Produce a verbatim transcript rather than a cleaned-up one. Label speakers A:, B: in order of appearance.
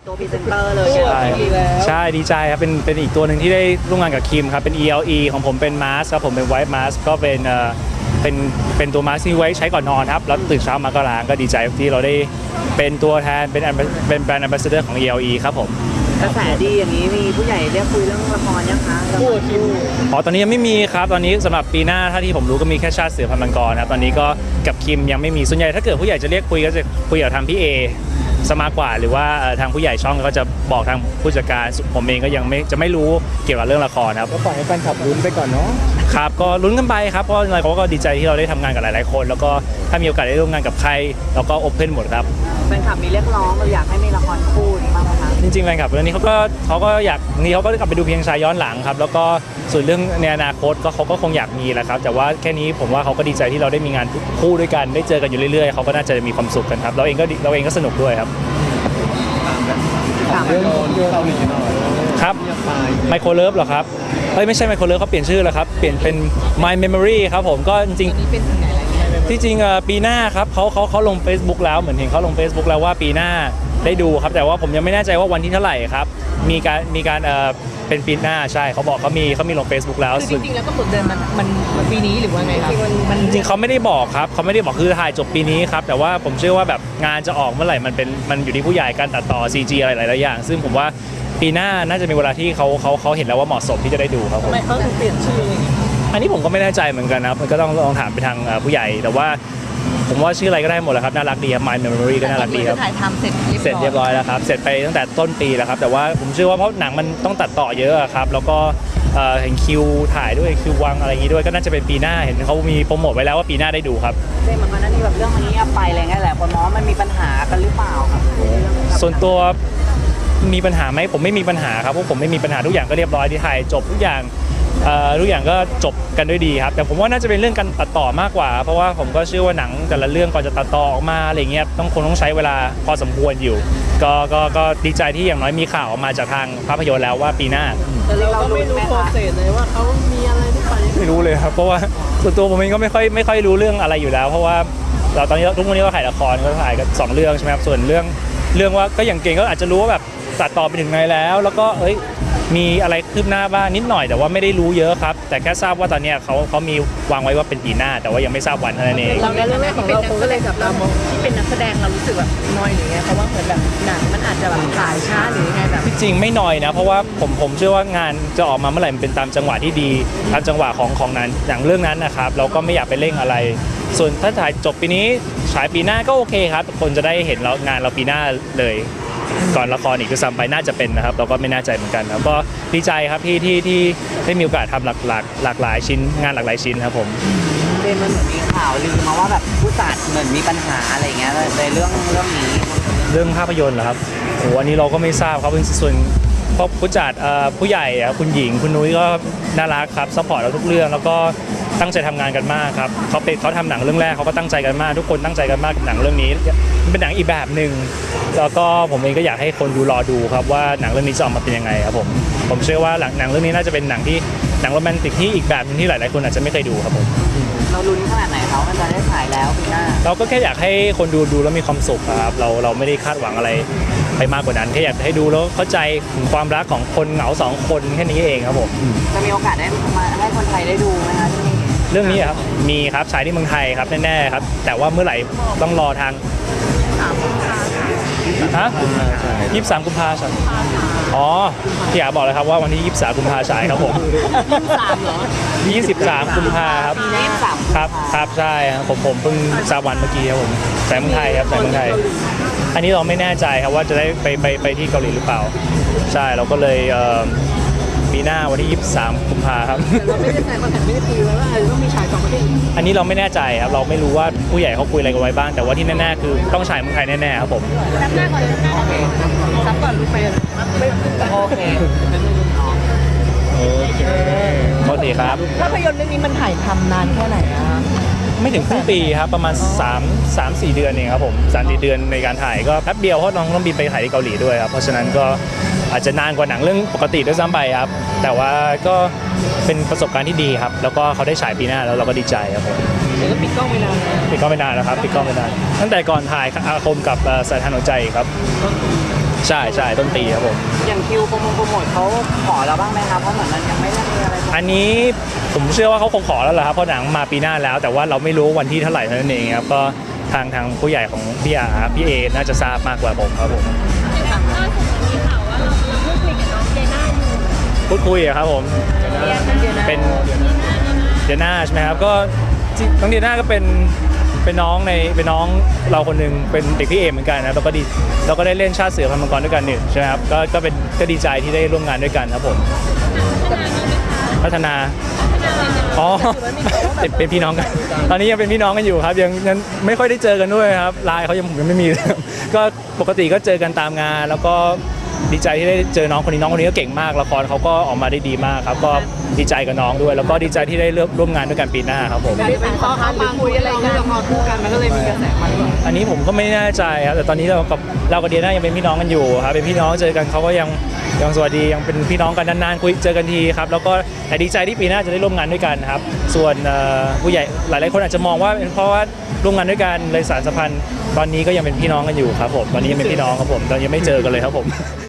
A: ตัวพรีเซนเตอร์เลย
B: ใช่ใช่ดีใจครับเป็นเป็นอีกตัวหนึ่งที่ได้ร่วมงานกับคิมครับเป็น อี แอล อี ของผมเป็นมาสครับผมเป็นไวท์มาสก็เป็นเอ่อเป็นเป็นตัวมาสที่ไว้ใช้ก่อนนอนครับแล้วตื่นเช้ามาก็ล้างก็ดีใจที่เราได้เป็นตัวแทนเป็นเป็นแบรนด์แอมบาสเดอร์ของ อี แอล อี ครับผม
A: กระแสดีอย่างนี้มีผู้ใหญ่เรียกคุยเรื่องละครยังคะคู่คิว
B: อ๋อตอนนี้ยังไม่มีครับตอนนี้สำหรับปีหน้าถ้าที่ผมรู้ก็มีแค่ชาติเสือพันธุ์มังกรครับตอนนี้ก็กับคิมยังไม่มีส่วนใหญ่ถ้าเกิดผู้ใหญ่จะเรียกคุยก็จะคุยกับทางพี่เอสมากกว่าหรือว่าทางผู้ใหญ่ช่องก็จะบอกทางผู้จัดการผมเองก็ยังไม่จะไม่รู้เกี่ยวกับเรื่องละครครับ
C: ก็ปล่อยให้แฟนคลับลุ้นไปก่อนเนาะ
B: ครับก็ลุ้นกันไปครับเพราะอะไรเขาก็ดีใจที่เราได้ทำงานกับหลายๆคนแล้วก็ถ้ามีโอกาสได้ร่วมงานกับใครเราก็โอเพนหมดครับ
A: แฟนคลับมีเรียกร้องเราอยากให้มีละครคู่นี้บ้างไหมคะ
B: จริงๆแฟนคลับเรื่องนี้เขาก็เขาก็อยากนี่เขาก็กลับไปดูเพียงชายย้อนหลังครับแล้วก็ส่วนเรื่องในอนาคตก็เขาก็คงอยากมีแหละครับแต่ว่าแค่นี้ผมว่าเขาก็ดีใจที่เราได้มีงานคู่ด้วยกันได้เจอกันอยู่เรื่อยๆเขาก็น่าจะมีความสุขกันครับเราเองก็เราเองก็สนุกด้วยครับ
C: ถามเรื่องเกาหลีหน่อย
B: ครับไมโครเลิฟเหรอครับเฮ้ยไม่ใช่ไมโครเลิฟเขาเปลี่ยนชื่อแล้วครับเปลี่ยนเป็น My Memory ครับผมก็จริงๆที่จริงปีหน้าครับเขาเขาเขาลง Facebook แล้วเหมือนเห็นเขาลง Facebook แล้วว่าปีหน้าได้ดูครับแต่ว่าผมยังไม่แน่ใจว่าวันที่เท่าไหร่ครับมีการมีการเอ่อเป็นปีหน้าใช่เขาบอกเขามีเขามีลง Facebook แล้ว
D: จริงๆแล้วก็เปิดเดือนมันมันมันปีนี้หรือว่าไงครับ
B: จริงๆเขาไม่ได้บอกครับเขาไม่ได้บอกคือถ่ายจบปีนี้ครับแต่ว่าผมเชื่อว่าแบบงานจะออกเมื่อไหร่มันเป็นมันอยู่ที่ผู้ใหญ่การตัดต่อ ซี จี อะไรหลายๆอย่างซึ่งผมว่าปีหน้าน่าจะมีเวลาที่เขาเขาเขาเห็นแล้วว่าเหมาะสมที่จะได้ดูครับผม
D: ทำไมเขาถึงเปลี่ยนชื่อ
B: อันนี้ผมก็ไม่แน่ใจเหมือนกันนะครับมันก็ต้องลองถามไปทางผู้ใหญ่แต่ว่าผมว่าชื่ออะไรก็ได้หมดแหละครับน่ารักดีครับ My Memory ก็น่ารักดีครับ
D: ถ่ายทำเสร็จ
B: เสร็จเรียบร้อยแล้วครับเสร็จไปตั้งแต่ต้นปีแล้วครับแต่ว่าผมเชื่อว่าเพราะหนังมันต้องตัดต่อเยอะครับแล้วก็เห็นคิวถ่ายด้วยคิววางอะไรอย่างนี้ด้วยก็น่าจะเป็นปีหน้าเห็นเขามีโปรโมทไว้แล้วว่าปีหน้าได้ดูครับ
A: เรื่องมันนั่นนี่แบบเรื่องนี้ไปอะไรเงี้ยแหละคนมองมันมีปัญหากันหรือเปล่าครับ
B: ส่วนตัวมีปัญหาไหมผมไม่มีปัญหาครับเพราะผมไม่มีปัญหาทุกอย่างก็เรียบร้อยที่ถ่ายจบทุกอย่างทุกอย่างก็จบกันด้วยดีครับแต่ผมว่าน่าจะเป็นเรื่องการตัดต่อมากกว่าเพราะว่าผมก็เชื่อว่าหนังแต่ละเรื่องก่อนจะตัดต่อออกมาอะไรเงี้ยต้องคงต้องใช้เวลาพอสมควรอยู่ก็ก็ก็ดีใจที่อย่างน้อยมีข่าวออกมาจากทางภาพยนตร์แล้วว่าปีหน้า
D: แต่เราก็ไม่รู้โปรเซสเลยว่าเขามีอะไรหรือเปล่า
B: ไม่รู้เลยครับเพราะว่าส่วนตัวผมเองก็ไม่ค่อยไม่ค่อยรู้เรื่องอะไรอยู่แล้วเพราะว่าเราตอนนี้ทุกวันนี้ก็ถ่ายละครก็ถ่ายกันสองเรื่องใช่ไหมครับส่วนเรื่องเรื่องว่าก็อย่างเก่งก็อาจจะรู้ว่าแบบตัดต่อไปถึงไหนแล้วแล้วก็เอ้ยมีอะไรคืบหน้าบ้างนิดหน่อยแต่ว่าไม่ได้รู้เยอะครับแต่แค่ทราบว่าตอนนี้เขาเขามีวางไว้ว่าเป็นปีหน้าแต่ว่ายังไม่ทราบวันเท่านั้นเอง
D: เราในเรื่องแรกของเราคงก็เลยแบบเราที่เป็นนักแสดงเรารู้สึกแบบน้อยหรือไงเพราะว่าเหมือนแบบหนังมันอาจจะแบบถ่ายช้าหรือไงแบบ
B: ที่จริงไม่น้อยนะเพราะว่าผมผมเชื่อว่างานจะออกมาเมื่อไหร่มันเป็นตามจังหวะที่ดีตามจังหวะของของนั้นอย่างเรื่องนั้นนะครับเราก็ไม่อยากไปเร่งอะไรส่วนถ้าถ่ายจบปีนี้ฉายปีหน้าก็โอเคครับคนจะได้เห็นเรางานเราปีหน้าเลยก่อนละครอีกก็ซ้ำไปน่าจะเป็นนะครับเราก็ไม่แน่ใจเหมือนกันครับก็ดีใจครับที่ที่ที่ได้มีโอกาสทำหลากหลากหลากหลายชิ้นงานหลากหลายชิ้นครับผม
A: เป็นมันเหมือนมีข่าวลือมาว่าแบบผู้จัดเหมือนมีปัญหาอะไรเงี้ยในเรื่องเรื่องนี้
B: เรื่องภาพยนตร์เหรอครับโอ้อันนี้เราก็ไม่ทราบครับเป็นส่วนเพราะผู้จัดผู้ใหญ่คุณหญิงคุณนุ้ยก็น่ารักครับซัพพอร์ตเราทุกเรื่องแล้วก็ตั้งใจทำงานกันมากครับเขาเป็นเขาทำหนังเรื่องแรกเขาก็ตั้งใจกันมากทุกคนตั้งใจกันมากกับหนังเรื่องนี้เป็นหนังอีกแบบหนึ่งแล้วก็ผมเองก็อยากให้คนดูรอดูครับว่าหนังเรื่องนี้จะออกมาเป็นยังไงครับผมผมเชื่อว่าหนังเรื่องนี้น่าจะเป็นหนังที่หนังโรแมนติกที่อีกแบบนึงที่หลายๆคนอาจจะไม่เคยดูครับผม
A: เราลุ้นขนาดไหนเขามันจะได้ฉายแล้วปีหน้า
B: เราก็แค่อยากให้คนดูดูแล้วมีความสุขครับเราเราไม่ได้คาดหวังอะไรไปมากกว่านั้นแค่อยากให้ดูแล้วเข้าใจถึงความรักของคนเหงาสองคนแค่นี้เองครับผม
A: จะมีโอกาสได้มาให้คนไทยได้ดูไหมคะที่นี่
B: เรื่องนี้ครับมีครับฉายที่เมืองไทยครับแน่ๆครับแต่ว่าเมื่อไหร่ต้องรอทางฮะยี่สิบสามกุมภาพันธ์อ๋อพี่อยากบอกเลยครับว่าวันที่ยี่สิบสามกุมภาพันธ์ฉายครับผม
D: ยี่สิบสามเหรอ
B: ยี่สิบสามกุมภาพันธ์ครับครับครับใช่ครับผมผมเพิ่งทราบวันเมื่อกี้ครับผมฉายเมืองไทยครับฉายเมืองไทยอันนี้เราไม่แน่ใจครับว่าจะได้ไปไปไปที่เกาหลีหรือเปล่าใช่เราก็เลยปีหน้าวันที่ยี่สิบสามกุมภาพันธ์ครับ
D: เราไม่ได้ใช้คอนแทคไม่ได้คุยไว้ว่าต้องมีฉายสองประเทศ
B: อันนี้เราไม่แน่ใจครับเราไม่รู้ว่าผู้ใหญ่เขาคุยอะไรกันไว้บ้างแต่ว่าที่แน่ๆคือต้องฉายเมืองไทยแน่ๆครับผม
D: รับหน้าก่อนรับหน้าโอเครับก่อนลูกไป
A: โอเค
B: โอเคโอเคครับ
D: ภาพยนตร์เรื่องนี้มันถ่ายทำนานแค่ไหนอะ
B: ไม่ถึงครึ่งปีครับประมาณสาม สาม สี่เดือนเองครับผมสามสี่เดือนในการถ่ายก็แป๊บเดียวเพราะน้องต้องบินไปถ่ายที่เกาหลีด้วยครับเพราะฉะนั้นก็อาจจะนานกว่าหนังเรื่องปกติด้วยซ้ำไปครับแต่ว่าก็เป็นประสบการณ์ที่ดีครับแล้วก็เขาได้ฉายปีหน้าแล้วเราก็ดีใจครับผม
D: แล้วปิดกล้องไปนาน
B: ปิดกล้องไปนานแล้วครับปิดกล้องไปนานตั้งแต่ก่อนถ่ายอาคมกับสายทานหัวใจครับใช่ใช่ต้นปีครับผม
A: อย่างคิวโปรโมทโปรโมทเขาขอเราบ้างไหมครับเพราะเหมือนมันยังไม่ได้มีอะไร
B: อันนี้ผมเชื่อว่าเขาคงขอแล้วแหละครับเพราะหนังมาปีหน้าแล้ว แต่ว่าเราไม่รู้วันที่เท่าไหร่เท่านั้นเองครับก็ทางทางผู้ใหญ่ของพี่อาพี่เอน่าจะทราบมากกว่าผมครับผม
E: ล่าสุดมีข่าวว่าเราเราพูดคุยกับน้องเจน่าอยู่
B: พูดคุยอะครับผมเป็นเดียน่าใช่ไหมครับก็ที่น้องเดียน่าก็เป็นเป็นน้องในเป็นน้องเราคนหนึ่งเป็นเด็กพี่เอเหมือนกันนะเราก็ดีเราก็ได้เล่นชาติเสือพันธุ์มังกรด้วยกันนี่ใช่ไหมครับก็ก็เป็นก็ดีใจที่ได้ร่วมงานด้วยกันครับผมพัฒนาอ๋อเป็นเป็นพี่น้องกัน ตอนนี้ยังเป็นพี่น้องกันอยู่ครับยังยังไม่ค่อยได้เจอกันด้วยครับไลน์เขายังผมยังไม่มี ก็ปกติก็เจอกันตามงาน แล้วก็ดีใจที่ได้เจอน้องคนนี้น้องคนนี้ก็เก่งมากละครเขาก็ออกมาได้ดีมากครับก็ดีใจกับน้องด้วย แล้วก็ดีใจที่ได้ร่วมงานด้วยกันปีหน้าครับผม
D: เป็นข้อความมาคุยอะไรกันละครคู่กันมันก็เลยมีกระแสมา
B: อันนี้ผมก็ไม่แน่ใจครับแต่ตอนนี้เรากับเรากับเดียน่ายังเป็นพี่น้องกันอยู่ครับเป็นพี่น้องเจอกันเขาก็ยังยังสวัสดียังเป็นพี่น้องกันนานๆคุยเจอกันทีครับแล้วก็แต่ดีใจที่ปีหน้าจะได้ร่วมงานด้วยกันครับส่วนเอ่อผู้ใหญ่หลายๆคนอาจจะมองว่าเป็นเพราะว่าร่วมงานด้วยกันเลยสานสัมพันธ์ตอนนี้ก็ยังเป็นพี่น้องกันอยู่ครับผมตอนนี้ยังเป็นพี่น้องครับผมตอนนี้ยังไม่เจอกันเลยครับผม